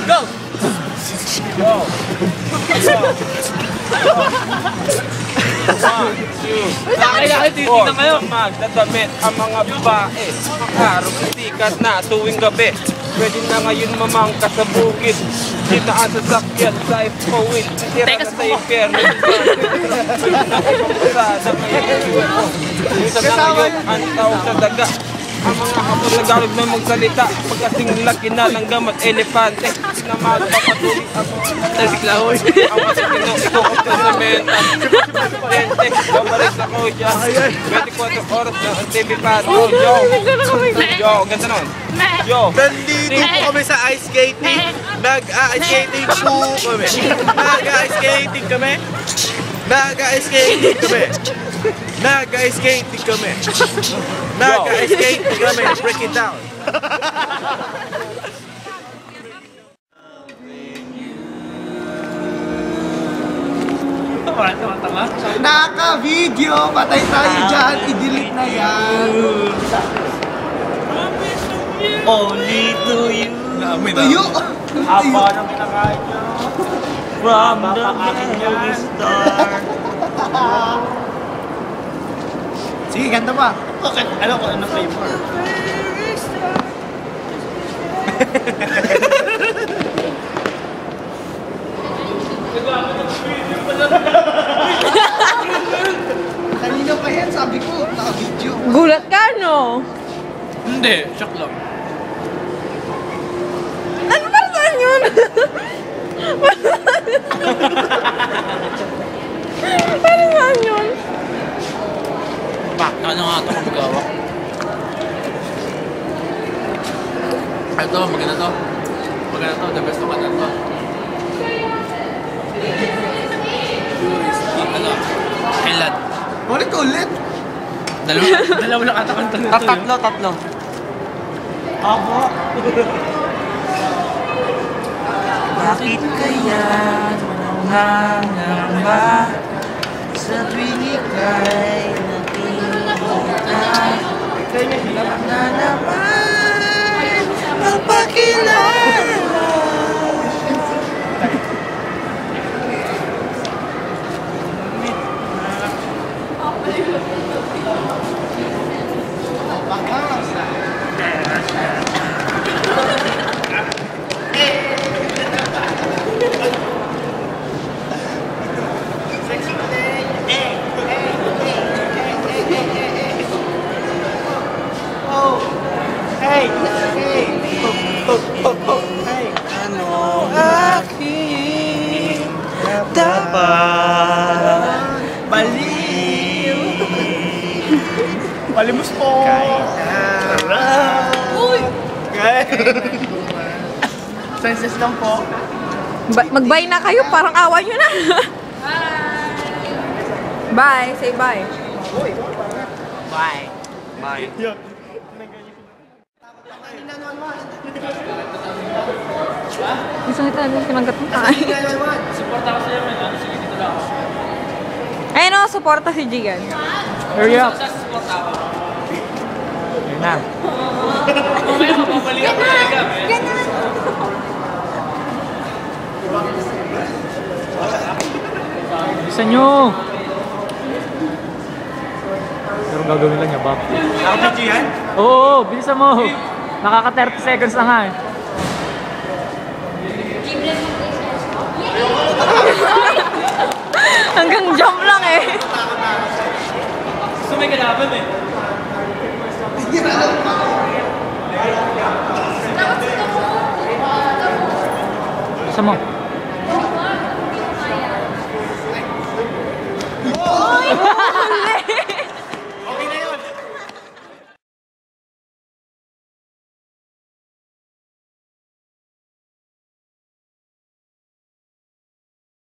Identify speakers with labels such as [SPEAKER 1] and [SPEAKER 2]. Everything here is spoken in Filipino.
[SPEAKER 1] Go! Go!
[SPEAKER 2] Kailangan titignan kayo.
[SPEAKER 1] Magdadamit ang mga babae. Araw na sikat na tuwing gabi. Pwede na ngayon mamangka sa bukid. Kita ang sasakyan sa ipawid. Tira na sa impyerno. Sa ngayon UFO. Minsan na ngayon ang tao sa daga. Ang mga kapag nagarog na magsalita. Pagkasing laki na ng gamat elepante. Na magpapatuloy ako.
[SPEAKER 2] Nagsiklahoy.
[SPEAKER 1] Ang matitino ito ko sa menta. Pente, babalik na ko dyan. 24 oras na ang TV Pato. Yo, ganda nun. Yo.
[SPEAKER 3] Nandito po kami sa ice skating. Nag-ice skating po kami. Nag-ice skating kami. Nag-ice skating kami. Nag-ice skating kami. Nag-ice skating kami. Break it down.
[SPEAKER 4] Naka-video! Patay tayo dyan! I-delete na yan!
[SPEAKER 2] Only to you.
[SPEAKER 4] Tuyo!
[SPEAKER 1] Haba ng kinakain niya.
[SPEAKER 2] From the very start.
[SPEAKER 4] Sige, ganda pa!
[SPEAKER 2] Okay, alam ko ano flavor.
[SPEAKER 4] Kanina pa yan, sabi ko, naka-video.
[SPEAKER 5] Gulat ka, no?
[SPEAKER 2] Hindi, shock lang.
[SPEAKER 5] Ano ba saan yun? Ano saan yun?
[SPEAKER 2] Pak, ano nga ito magagawa? Ito, maganda to. Maganda to, the best naman ito. Ano? Kailan?
[SPEAKER 4] Ulit!
[SPEAKER 2] Dalawa lang ata kanta nito.
[SPEAKER 1] Tatlo.
[SPEAKER 4] Abo!
[SPEAKER 2] Bakit kaya nangangamba sa tuwing ika'y nakikita na naman mapakilala? Ano aking dapat baliw?
[SPEAKER 4] Palimos po!
[SPEAKER 2] Uy!
[SPEAKER 4] Senses lang po.
[SPEAKER 5] Mag-bye na kayo, parang awa nyo na. Bye! Say bye.
[SPEAKER 2] Bye.
[SPEAKER 1] Bye.
[SPEAKER 5] Gusto kita na pinanggat mo tayo.
[SPEAKER 2] Support ako sa'yo, man. Sige, dito lang ako.
[SPEAKER 5] Ayun o, supporta si Jigan.
[SPEAKER 4] Hurry up!
[SPEAKER 2] Support ako.
[SPEAKER 4] Yun na.
[SPEAKER 2] Mamaya mapapalik ako talaga, man.
[SPEAKER 4] Bisa nyo! Pero gagawin lang niya, Bob.
[SPEAKER 1] Nakapidyo yan?
[SPEAKER 4] Oo, bilisan mo! Nakaka 30 seconds na nga eh.
[SPEAKER 5] Hanggang jump lang eh.
[SPEAKER 2] Gusto may kalaban eh.
[SPEAKER 4] Bilisan mo.
[SPEAKER 5] Uy!